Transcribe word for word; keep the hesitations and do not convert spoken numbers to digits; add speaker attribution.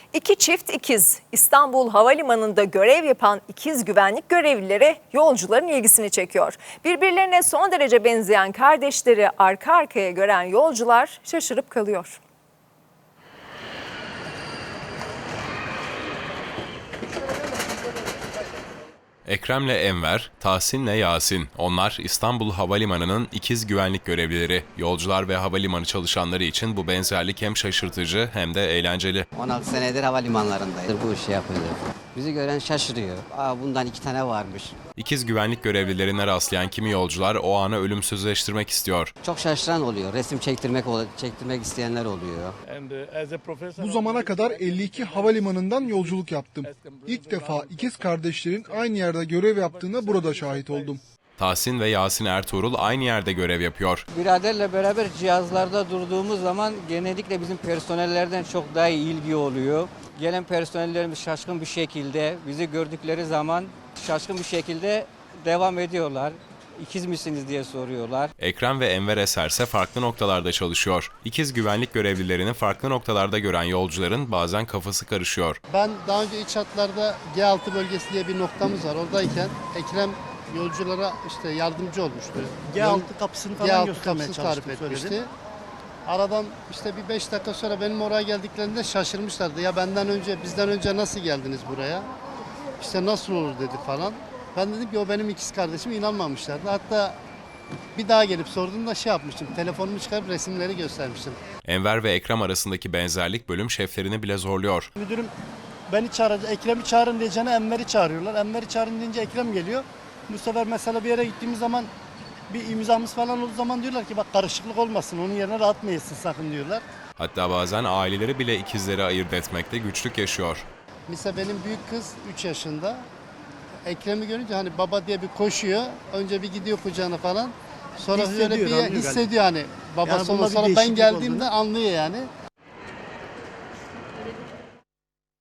Speaker 1: İki çift ikiz İstanbul Havalimanı'nda görev yapan ikiz güvenlik görevlileri yolcuların ilgisini çekiyor. Birbirlerine son derece benzeyen kardeşleri arka arkaya gören yolcular şaşırıp kalıyor.
Speaker 2: Ekrem'le Enver, Tahsin'le Yasin. Onlar İstanbul Havalimanı'nın ikiz güvenlik görevlileri. Yolcular ve havalimanı çalışanları için bu benzerlik hem şaşırtıcı hem de eğlenceli.
Speaker 3: on altı senedir havalimanlarındayız. Bu işi yapıyoruz. Bizi gören şaşırıyor. Aa, bundan iki tane varmış.
Speaker 2: İkiz güvenlik görevlilerine rastlayan kimi yolcular o anı ölümsüzleştirmek istiyor.
Speaker 3: Çok şaşıran oluyor. Resim çektirmek çektirmek isteyenler oluyor.
Speaker 4: Bu zamana kadar elli iki havalimanından yolculuk yaptım. İlk defa ikiz kardeşlerin aynı yerde görev yaptığına burada şahit oldum.
Speaker 2: Tahsin ve Yasin Ertuğrul aynı yerde görev yapıyor.
Speaker 5: Biraderle beraber cihazlarda durduğumuz zaman genellikle bizim personellerden çok daha iyi ilgi oluyor. Gelen personellerimiz şaşkın bir şekilde bizi gördükleri zaman şaşkın bir şekilde devam ediyorlar. İkiz misiniz diye soruyorlar.
Speaker 2: Ekrem ve Enver Eser ise farklı noktalarda çalışıyor. İkiz güvenlik görevlilerini farklı noktalarda gören yolcuların bazen kafası karışıyor.
Speaker 6: Ben daha önce iç hatlarda G altı bölgesi diye bir noktamız var. Oradayken Ekrem yolculara işte yardımcı olmuştu.
Speaker 7: G altı kapısını falan
Speaker 6: G altı
Speaker 7: göstermeye
Speaker 6: kapısını tarif
Speaker 7: çalıştım,
Speaker 6: etmişti.
Speaker 7: söyledim.
Speaker 6: Aradan işte bir beş dakika sonra benim oraya geldiklerinde şaşırmışlardı. Ya benden önce, bizden önce nasıl geldiniz buraya? İşte nasıl olur dedi falan. Ben dedim ki o benim ikiz kardeşim, inanmamışlardı. Hatta bir daha gelip sorduğumda şey yapmıştım. Telefonumu çıkarıp resimleri göstermiştim.
Speaker 2: Enver ve Ekrem arasındaki benzerlik bölüm şeflerini bile zorluyor.
Speaker 7: Müdürüm beni çağırdı, Ekrem'i çağırın diyeceğine Enver'i çağırıyorlar. Enver'i çağırın deyince Ekrem geliyor. Bu sefer mesela bir yere gittiğimiz zaman bir imzamız falan olduğu zaman diyorlar ki bak karışıklık olmasın, onun yerine rahat mı yesin sakın diyorlar.
Speaker 2: Hatta bazen aileleri bile ikizleri ayırt etmekte güçlük yaşıyor.
Speaker 6: Mesela benim büyük kız üç yaşında. Ekrem'i görünce hani baba diye bir koşuyor. Önce bir gidiyor kucağına falan. Sonra
Speaker 7: Hissediyor,
Speaker 6: böyle bir
Speaker 7: anlıyor
Speaker 6: hissediyor hani babası
Speaker 7: Yani bunda
Speaker 6: yani
Speaker 7: bir
Speaker 6: sonra ben
Speaker 7: değişiklik
Speaker 6: geldiğimde
Speaker 7: olduğunu.
Speaker 6: anlıyor yani.